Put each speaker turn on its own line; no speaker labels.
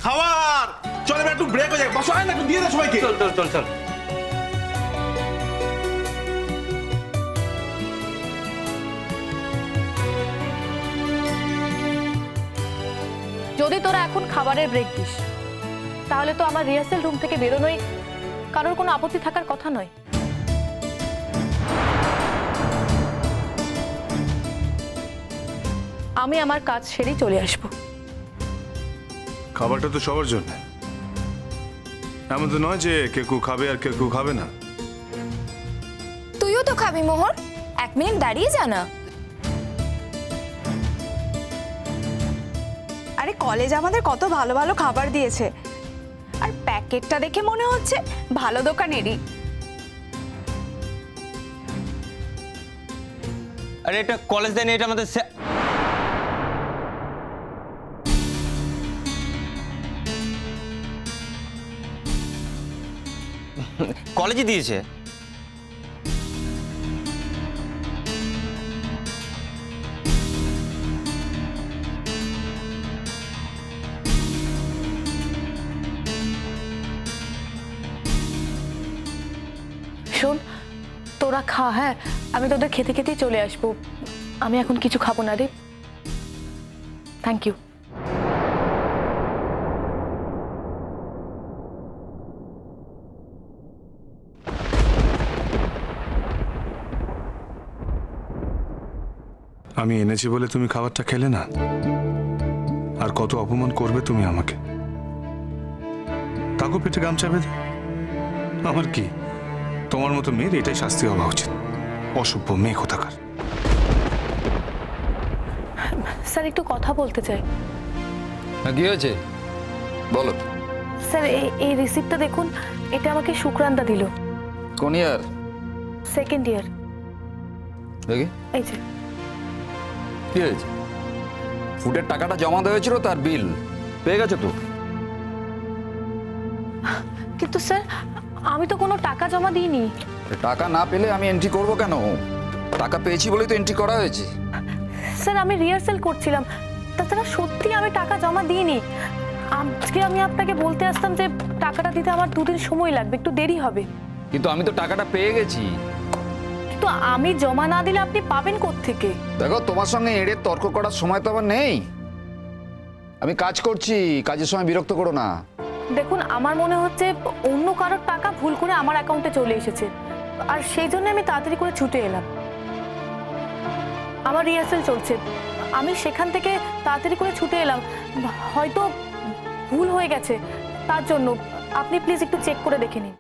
খাবার চল এবার একটু ব্রেক হয়ে যায়, বসো না একটু দিয়ে দে সবাইকে।
চল চল চল চল।
যদি তোরা এখন খাবারের ব্রেক দিস তাহলে তো আমার রিহার্সাল রুম থেকে বেরোনোই কারোর কোনো আপত্তি থাকার কথা নয়। আমি আমার কাজ সেরেই চলে আসব।
খাবারটা তো সবার জন্য, এমন তো নয় যে কেউ খাবে আর কেউ খাবে না।
তুইও তো খাবি মোহর, 1 মিনিট দাঁড়িয়ে যা না।
আরে কলেজ আমাদের কত ভালো ভালো খাবার দিয়েছে, আর প্যাকেটটা দেখে মনে হচ্ছে ভালো দোকানেরই।
আরে এটা কলেজ দেয়নি, এটা আমাদের কলেজে দিয়েছে।
শোন, তোরা খা, হ্যাঁ আমি তোদের খেতে খেতেই চলে আসবো। আমি এখন কিছু খাবো না রে। Thank you.
আমি এনেছি বলে তুমি খাবারটা খেলে না, আর কত অপমান করবে তুমি আমাকে। তাকে পেটে গামছা বেঁধে আমার কি, তোমার মতো মেয়ের এটাই শাস্তি হওয়া উচিত। অসভ্য মেয়ে কোথাকার।
স্যার একটু কথা বলতে চাই।
কি হয়েছে বলো।
স্যার এই রিসিপ্টটা দেখুন, এটা আমাকে শুক্রান্দা দিল।
কোন ইয়ার?
2nd ইয়ার।
দেখি
এই যে।
কি হয়েছে? ফুডের টাকাটা জমা দেওয়া হয়েছিল, তার বিল পেয়ে গেছো তো?
কিন্তু স্যার আমি তো কোনো টাকা জমা দিইনি।
টাকা না পেলে আমি এন্ট্রি করব কেন? টাকা পেয়েছি বলেই তো এন্ট্রি করা হয়েছে।
স্যার আমি রিহার্সাল করছিলাম, তাছাড়া সত্যি আমি টাকা জমা দিইনি। আজকে আমি আপনাকে বলতে আসতাম যে টাকাটা দিতে আমার 2 দিন সময় লাগবে, একটু দেরি হবে।
কিন্তু আমি তো টাকাটা পেয়ে গেছি।
কিন্তু আমি জমা না দিলে আপনি পাবেন কোত্থেকে?
দেখো, তোমার সঙ্গে এড়ে তর্ক করার সময় তো আমার নেই। আমি কাজ করছি, কাজের সময় বিরক্ত করো না।
দেখুন আমার মনে হচ্ছে অন্য কারোর টাকা ভুল করে আমার অ্যাকাউন্টে চলে এসেছে, আর সেই জন্য আমি তাড়াতাড়ি করে ছুটে এলাম। আমার রিহার্সাল চলছে, আমি সেখান থেকে তাড়াতাড়ি করে ছুটে এলাম। হয়তো ভুল হয়ে গেছে, তার জন্য আপনি প্লিজ একটু চেক করে দেখে নিন।